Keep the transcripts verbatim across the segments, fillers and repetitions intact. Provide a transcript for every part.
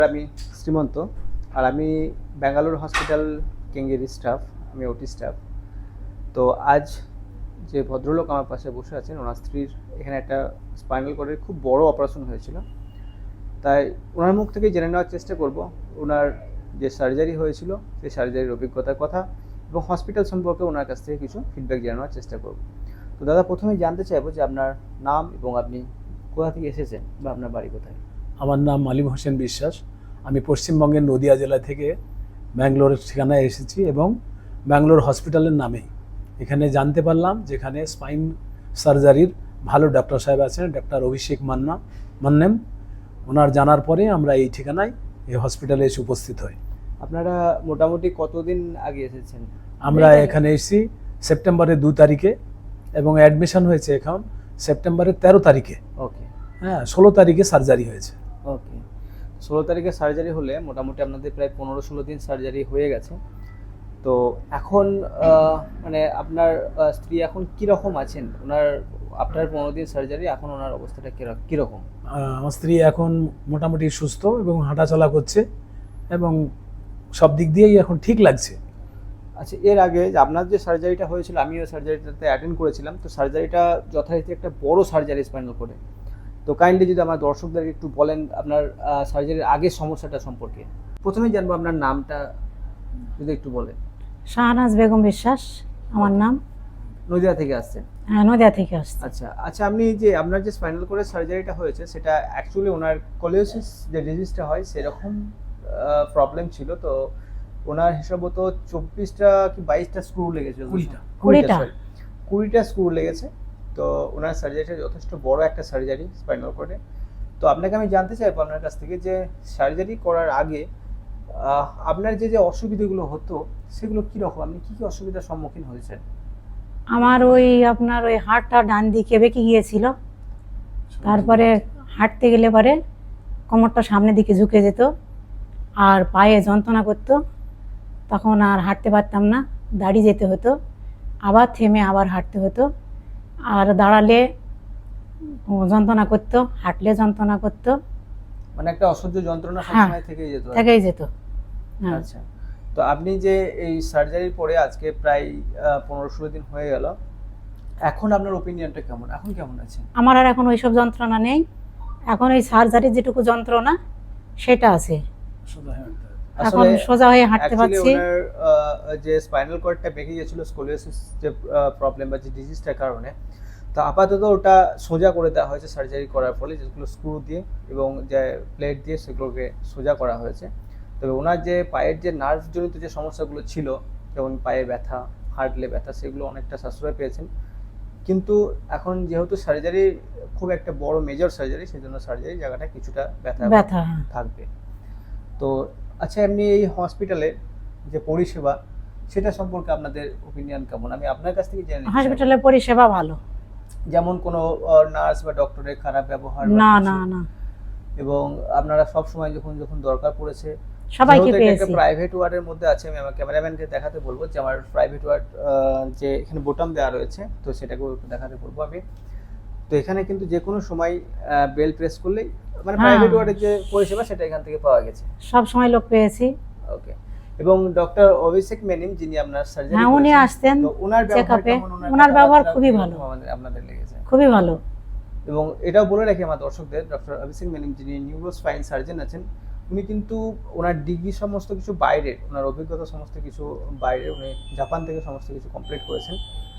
আমি শ্রীমন্ত আর আমি Bangalore hospital কেঙ্গেরি staff, আমি ওটি স্টাফ। তো আজ যে ভদ্রলোক আমার পাশে বসে আছেন, ওনার স্ত্রীর এখানে একটা স্পাইনাল কর্ডের খুব বড় অপারেশন হয়েছিল। তাই ওনার মুখ থেকে জেনে নেওয়ার চেষ্টা করব ওনার যে সার্জারি হয়েছিল সেই সার্জারির অভিজ্ঞতার কথা এবং হসপিটাল সম্পর্কে ওনার কাছ থেকে কিছু ফিডব্যাক জেনে নেওয়ার চেষ্টা করব। তো দাদা, প্রথমেই জানতে চাইবো যে আপনার নাম এবং আপনি কোথা থেকে এসেছেন বা আপনার বাড়ি কোথায়? আমার নাম মালিম হোসেন বিশ্বাস। আমি পশ্চিমবঙ্গের নদিয়া জেলা থেকে ব্যাঙ্গালোরের ঠিকানায় এসেছি এবং ব্যাঙ্গালোর হসপিটালের নামেই এখানে জানতে পারলাম যেখানে স্পাইন সার্জারির ভালো ডাক্তার সাহেব আছেন, ডাক্তার অভিষেক মান্না মান্নেম। ওনার জানার পরে আমরা এই ঠিকানায় এই হসপিটালে এসে উপস্থিত হই। আপনারা মোটামুটি কতদিন আগে এসেছেন? আমরা এখানে এসেছি সেপ্টেম্বরের দু তারিখে এবং অ্যাডমিশন হয়েছে এখন সেপ্টেম্বরের তেরো তারিখে। ওকে, হ্যাঁ, ষোলো তারিখে সার্জারি হয়েছে। ওকে, ষোলো তারিখে সার্জারি হলে মোটামুটি আপনাদের প্রায় পনেরো ষোলো দিন সার্জারি হয়ে গেছে। তো এখন মানে আপনার স্ত্রী এখন কীরকম আছেন? ওনার আপনার পনেরো দিন সার্জারি, এখন ওনার অবস্থাটা কীরকম? আমার স্ত্রী এখন মোটামুটি সুস্থ এবং হাঁটাচলা করছে এবং সব দিক দিয়েই এখন ঠিক লাগছে। আচ্ছা, এর আগে যে আপনার যে সার্জারিটা হয়েছিল, আমিও সার্জারিটাতে অ্যাটেন্ড করেছিলাম। তো সার্জারিটা যথারীতি একটা বড় সার্জারি স্পাইনাল কোর্ডে। তো কাইন্ডলি যদি আমার দর্শকদেরকে একটু বলেন আপনার সার্জারির আগের সমস্যাটা সম্পর্কে। প্রথমেই জানবো আপনার নামটা যদি একটু বলেন। শাহনাজ বেগম বিশ্বাস আমার নাম। নদিয়া থেকে আসছেন? হ্যাঁ, নদিয়া থেকে আসছি। আচ্ছা আচ্ছা, আপনি যে আপনার যে স্পাইনাল কোর্ডের সার্জারিটা হয়েছে সেটা অ্যাকচুয়ালি ওনার কোলিওসিস যে ডিজিজটা হয় সেরকম প্রবলেম ছিল। তো ওনার হিসাব তো চব্বিশটা কি বাইশটা স্ক্রু লেগেছে? কুড়িটা কুড়িটা কুড়িটা স্ক্রু লেগেছে। তো ওনার সার্জারিটা যথেষ্ট বড় একটা সার্জারি স্পাইনাল কোর্ডে। তো আপনাকে আমি জানতে চাইবো আপনার কাছ থেকে যে সার্জারি করার আগে আপনার যে যে অসুবিধাগুলো হতো সেগুলো কীরকম, আপনি কী কী অসুবিধার সম্মুখীন হয়েছেন? আমার ওই আপনার ওই হাড়টা ডান দিকে বেঁকে গিয়েছিল। তারপরে হাঁটতে গেলে পরে কোমরটা সামনের দিকে ঝুঁকে যেত আর পায়ে যন্ত্রণা করতো। তখন আর হাঁটতে পারতাম না, দাঁড়িয়ে যেতে হতো, আবার থেমে আবার হাঁটতে হতো। আর দাঁড়ালে যন্ত্রণা করতো, হাঁটলে যন্ত্রণা করতো, মানে একটা অসহ্য যন্ত্রণা সবসময় থেকেই যেত থেকেই যেত। আচ্ছা, তো আপনি যে এই সার্জারির পরে আজকে প্রায় পনেরো ষোলো দিন হয়ে গেল, এখন আপনার ওপিনিয়নটা কেমন? এখন কেমন আছেন? আমার আর এখন ওইসব যন্ত্রণা নেই। এখন ওই সার্জারির যেটুকু যন্ত্রণা সেটা আছে, এখন সোজা হয়ে হাঁটতে পারছি। ওনার যে স্পাইনাল কর্ডটা বেঁকে গিয়েছিল স্কোলিওসিস যে প্রবলেম বা যে ডিজিজটার কারণে, তো আপাতত ওটা সোজা করে দেওয়া হয়েছে সার্জারি করার ফলে, যেগুলো স্ক্রু দিয়ে এবং যে প্লেট দিয়ে সেগুলোকে সোজা করা হয়েছে। তবে ওনার যে পায়ের যে নার্ভজনিত যে সমস্যাগুলো ছিল, যেমন পায়ে ব্যথা, হাঁটলে ব্যথা, সেগুলো অনেকটা সাশ্রয় পেয়েছেন। কিন্তু এখন যেহেতু সার্জারি খুব একটা বড় মেজর সার্জারি, সেই জন্য সার্জারি জায়গাটা কিছুটা ব্যথা ব্যথা থাকবে। তো আচ্ছা, এমনি এই হসপিটালে যে পরিষেবা সেটা সম্পর্কে আপনাদের ওপিনিয়ন কেমন? আমি আপনার কাছ থেকে জেনে নিতে চাই। হসপিটালের পরিষেবা ভালো, যেমন কোনো নার্স বা ডক্টরের খারাপ ব্যবহার না না না, এবং আপনারা সব সময় যখন যখন দরকার পড়েছে সবাইকে পেয়েছি। একটা প্রাইভেট ওয়ার্ডের মধ্যে আছে, আমি আমার ক্যামেরাম্যানকে দেখাতে বলবো যে আমার প্রাইভেট ওয়ার্ড যে এখানে বোতাম দেওয়া রয়েছে, তো সেটাকেও একটু দেখাতে বলবো আমি। তো এখানে কিন্তু যে কোনো সময় বেল প্রেস করলেই মানে প্রাইভেট ওয়ার্ডের যে পরিষেবা সেটা এখান থেকে পাওয়া গেছে, সব সময় লোক পেয়েছি। ওকে। এবং ডক্টর অভিষেক মেনিম যিনি আপনার সার্জারি হ্যাঁ, উনি আসতেন ওনার চেকআপে। ওনার ব্যবহার খুবই ভালো, আপনাদের লেগেছে? খুবই ভালো। এবং এটাও বলে রাখি আমার দর্শকদের, ডক্টর অভিষেক মেনিম যিনি নিউরো স্পাইন সার্জন আছেন, উনি কিন্তু ওনার ডিগ্রি সমস্ত কিছু বাইরের, ওনার অভিজ্ঞতা সমস্ত কিছু বাইরে, উনি জাপান থেকে সমস্ত কিছু কমপ্লিট করেছেন।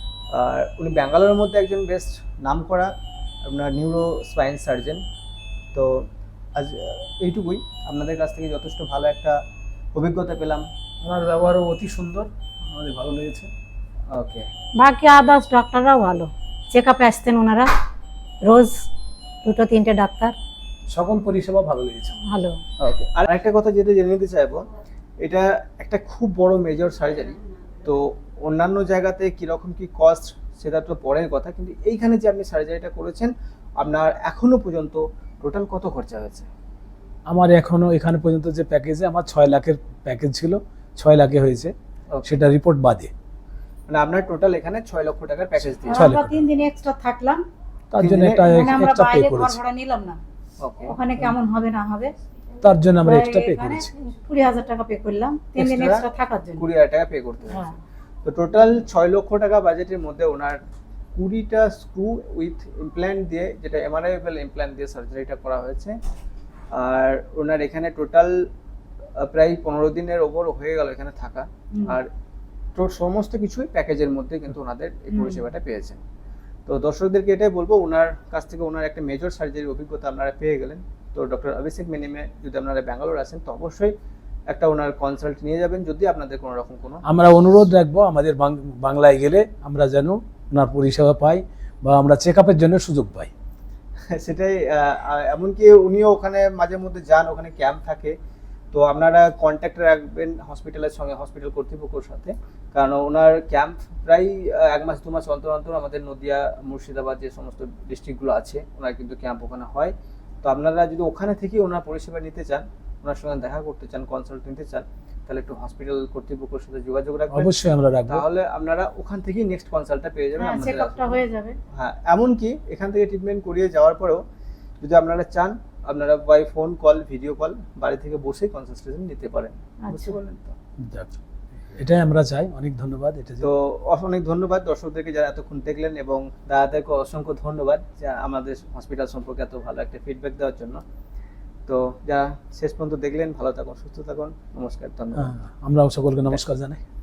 আর উনি ব্যাঙ্গালোরের মধ্যে একজন বেস্ট নাম করা আপনার নিউরো স্পাইন সার্জন। তো আজ এইটুকুই, আপনাদের কাছ থেকে যথেষ্ট ভালো একটা অভিজ্ঞতা পেলাম। ওনার ব্যবহারও অতি সুন্দর, আমাদের ভালো লেগেছে। ওকে, বাকি আদার্স ডাক্তাররাও ভালো, চেকআপে আসতেন ওনারা রোজ দুটো তিনটে ডাক্তার, সকল পরিষেবা ভালো লেগেছে, ভালো। ওকে, আর একটা কথা যেটা জেনে নিতে চাইবো, এটা একটা খুব বড় মেজর সার্জারি। তো অন্যান্য জায়গাতে কীরকম কি কস্ট সেটা তো পরের কথা, কিন্তু এইখানে যে আপনি সার্জারিটা করেছেন আপনার এখনো পর্যন্ত টোটাল কত খরচা হয়েছে? আমার এখনো এখানে পর্যন্ত যে প্যাকেজে আমার ছয় লাখের প্যাকেজ ছিল, ছয় লাখে হয়েছে, সেটা রিপোর্ট বাদে। মানে আপনার টোটাল এখানে ছয় লক্ষ টাকার প্যাকেজ দিয়েছে। আমরা তিন দিন এক্সট্রা থাকলাম, তার জন্য একটা এক্সট্রা পে করেছি। ভাড়া নিলাম না, ওখানে কেমন হবে না হবে তার জন্য আমরা প্রায় এক্সট্রা পে এখানে করেছি। কুড়ি হাজার টাকা পে করলাম তিন দিন Extra এক্সট্রা থাকার জন্য। কুড়ি হাজার টাকা পে করতে হয়েছে। হ্যাঁ। তো টোটাল ছয় লক্ষ টাকা বাজেটের মধ্যে ওনার কুড়িটা স্ক্রু উইথ ইমপ্ল্যান্ট দিয়ে, যেটা এমআরআইএবল ইমপ্ল্যান্ট দিয়ে সার্জারিটা করা হয়েছে। আর ওনার এখানে টোটাল প্রায় পনেরো দিনের ওপর হয়ে গেল এখানে থাকা। হুম। আর তো সমস্ত কিছুই প্যাকেজের মধ্যে কিন্তু ওনাদের এই হুম। পরিষেবাটা পেয়েছেন। তো দর্শকদেরকে এটাই বলবো, ওনার কাছ থেকে ওনার একটা মেজর সার্জারির অভিজ্ঞতা আপনারা পেয়ে গেলেন। তো ডক্টর অভিষেক মেনিমে যদি আপনারা ব্যাঙ্গালোর আসেন তো অবশ্যই একটা ওনার কনসাল্ট নিয়ে যাবেন, যদি আপনাদের কোনো রকম কোনো আমরা অনুরোধ রাখবো আমাদের বাং- বাংলায় গেলে আমরা যেন ওনার পরিষেবা পাই বা আমরা চেক আপের জন্য সুযোগ পাই। সেটাই। আহ, আহ, এমনকি উনিও ওখানে মাঝে মধ্যে যান, ওখানে ক্যাম্প থাকে। তো আপনারা কন্ট্যাক্ট রাখবেন হসপিটালের সঙ্গে, হসপিটাল কর্তৃপক্ষের সাথে, কারণ ওনার ক্যাম্প প্রায় আহ, এক মাস দু মাস অন্তর অন্তর আমাদের নদিয়া, মুর্শিদাবাদ যে সমস্ত ডিস্ট্রিক্টগুলো আছে ওনার কিন্তু ক্যাম্প ওখানে হয়। তো আপনারা যদি ওখানে থেকে ওনার পরিষেবা নিতে চান, ওনার সঙ্গে দেখা করতে চান, কনসাল্ট নিতে চান, তাহলে একটু হসপিটাল কর্তৃপক্ষের সাথে যোগাযোগ রাখবেন। অবশ্যই আমরা রাখবো। তাহলে আপনারা ওখান থেকেই নেক্সট কনসাল্টটা পেয়ে যাবেন হ্যাঁ, আপনাদের চেকআপটা হয়ে যাবে। হ্যাঁ, এমনকি এখান থেকে ট্রিটমেন্ট করিয়ে যাওয়ার পরেও যদি আপনারা চান, আপনারা by phone call, video call বাড়ি থেকে বসে কনসালটেশন নিতে পারেন। বুঝতে আচ্ছা। পারলেন তো? যাক, এটাই আমরা চাই। অনেক ধন্যবাদ। এটা যে- তো অনেক ধন্যবাদ দর্শকদেরকে যারা এতক্ষণ দেখলেন, এবং দাদাদেরকে অসংখ্য ধন্যবাদ যে আমাদের হসপিটাল সম্পর্কে এত ভালো একটা ফিডব্যাক দেওয়ার জন্য। তো যারা শেষ পর্যন্ত দেখলেন, ভালো থাকুন, সুস্থ থাকুন। নমস্কার, ধন্যবাদ। হ্যাঁ, আমরাও সকলকে নমস্কার জানাই।